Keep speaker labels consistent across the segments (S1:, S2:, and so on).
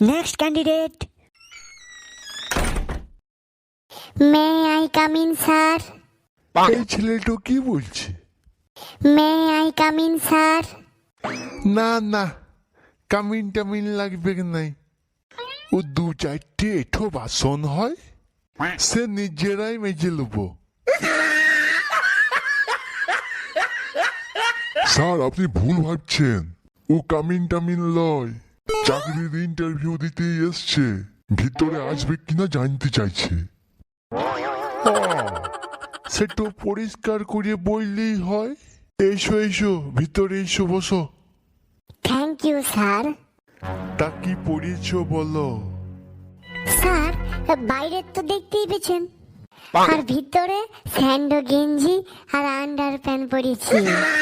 S1: Next candidate.
S2: May I come in, sir?
S3: এই ছেলেটা কি বলছে?
S2: May I come in, sir?
S3: না না, কামিন টামিন লাগবে নাই। ও দু চারটে এঠো বাসন হয়, সে নিজেরাই মেজে নেব।
S4: স্যার আপনি ভুল ভাবছেন, ও কামিন টামিন লয়, চাকরির ইন্টারভিউ দিতে এসছে, ভিতরে আসবে কিনা জানতে চাইছে।
S3: সেটা পরিষ্কার করে বললেই হয়। এসো এসো, ভিতরে এসো, বসো।
S2: Thank you, sir.
S3: তা কি পড়িয়েছো বলো?
S2: স্যার, বাইরে তো দেখতেই পেয়েছেন, আর ভিতরে স্যান্ডো গেঞ্জি আর আন্ডার প্যান্ট পরেছি।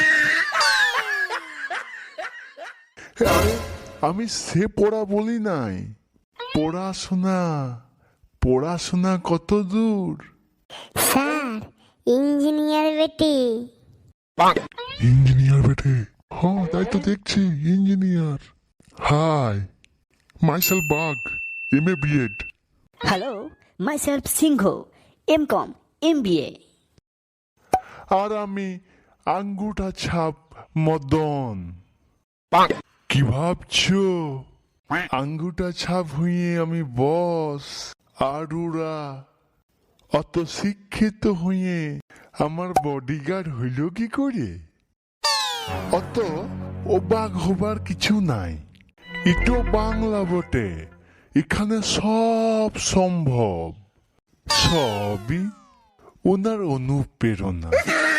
S3: আরে আমি সে পড়া বলি নাই, পড়াশোনা। পড়াশোনা কত দূর?
S2: স্যার, ইঞ্জিনিয়ার বেটি।
S4: ইঞ্জিনিয়ার বেটে? হ্যাঁ তাই তো দেখছি, engineer. Hi, myself Bag, MA BEd।
S1: Hello, myself Singho, MCom, MBA.
S3: আর আমি আঙ্গুঠা ছাপ মদন। কি ভাবছো? আঙ্গুঠা ছাপ হইয়ে আমি বস, আর ওরা অত শিক্ষিত হইয়ে আমার বডিগার্ড হইল কি করে? অত অবাক হবার কিছু নাই, এটো বাংলা বটে, এখানে সব সম্ভব। সবই ওনার অনুপ্রেরণা।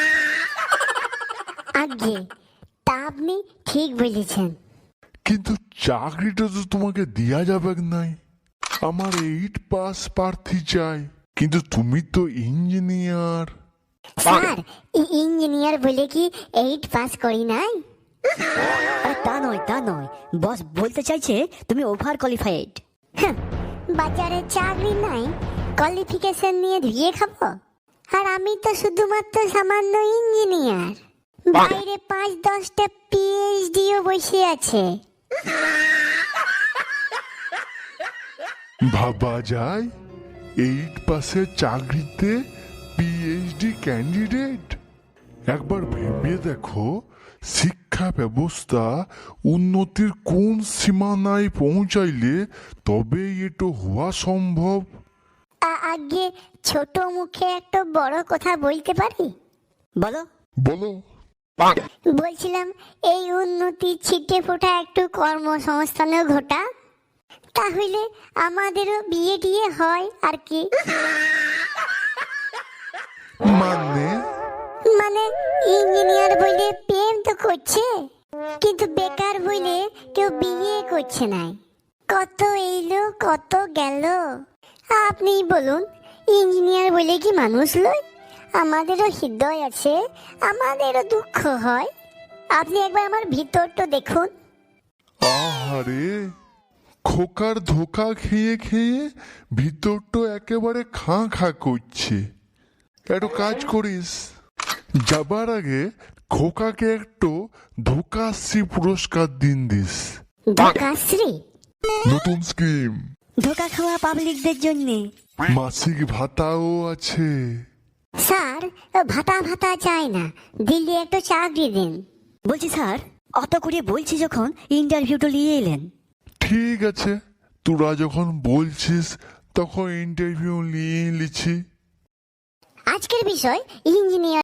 S2: আগে তা আপনি ঠিক বলেছেন।
S3: কিন্তু চাকরিটা তো তোমাকে দেয়া যাবে নাই। আমার 8 পাস প্রার্থী চাই, কিন্তু তুমি তো ইঞ্জিনিয়ার।
S2: স্যার, ইঞ্জিনিয়ার বলে কি 8 পাস করি নাই?
S1: আরে তা নয়, বস বলতে চাইছে তুমি ওভার কোয়ালিফাইড।
S2: বাজারে চাকরি নাই, কোয়ালিফিকেশন নিয়ে ধুয়ে খাবো? আর আমি তো শুধুমাত্র সামান্য ইঞ্জিনিয়ার, বাইরে 5-10টা PhDও বসে আছে।
S3: ভাবা যায় 8 পাসের চাকরিতে PhD ক্যান্ডিডেট? একবার ভেবে দেখো, শিক্ষা ব্যবস্থা উন্নতির কোন সীমানায় পৌঁছাইলে তবে এটা হওয়া সম্ভব।
S2: আগে ছোট মুখে একটা বড় কথা বলতে পারি?
S1: বলো।
S4: বলো।
S2: বলছিলাম, এই উন্নতি ছিটে ফোটা একটু কর্মসংস্থানও ঘটা, তাহলে আমাদেরও বিয়ে টিয়ে হয় আর কি। মানে ইঞ্জিনিয়ার বলে প্রেম তো করছে, কিন্তু বেকার বলে কেউ বিয়ে করছে না। কত এলো কত গেল। আপনি বলুন, ইঞ্জিনিয়ার বলে কি মানুষ লয়? আমাদেরও হৃদয় আছে, আমাদেরও দুঃখ হয়। আপনি একবার আমার ভিতরটা দেখুন।
S3: আহারে, খোকার ধোকা খেয়ে খেয়ে ভিতরটা একেবারে খাঁ খাঁ করছে। একটু কাজ করিস, যাবার আগে খোকাকে একটু ধোকাশ্রী পুরস্কার দিন দিস।
S2: ধোকাশ্রী?
S4: নতুন স্কিম।
S1: ধোকা খাওয়া পাবলিকদের জন্যে।
S3: মাসিক ভাতাও আছে।
S2: স্যার, ভাতা ভাতা চাই না, দিল্লি একটা চাকরি দিন।
S1: বলছি স্যার, অত করে বলছি যখন ইন্টারভিউটা নিয়ে এলেন।
S3: ঠিক আছে, তোরা যখন বলছিস তখন ইন্টারভিউ নিয়ে নিচ্ছি।
S2: আজকের বিষয় ইঞ্জিনিয়ার।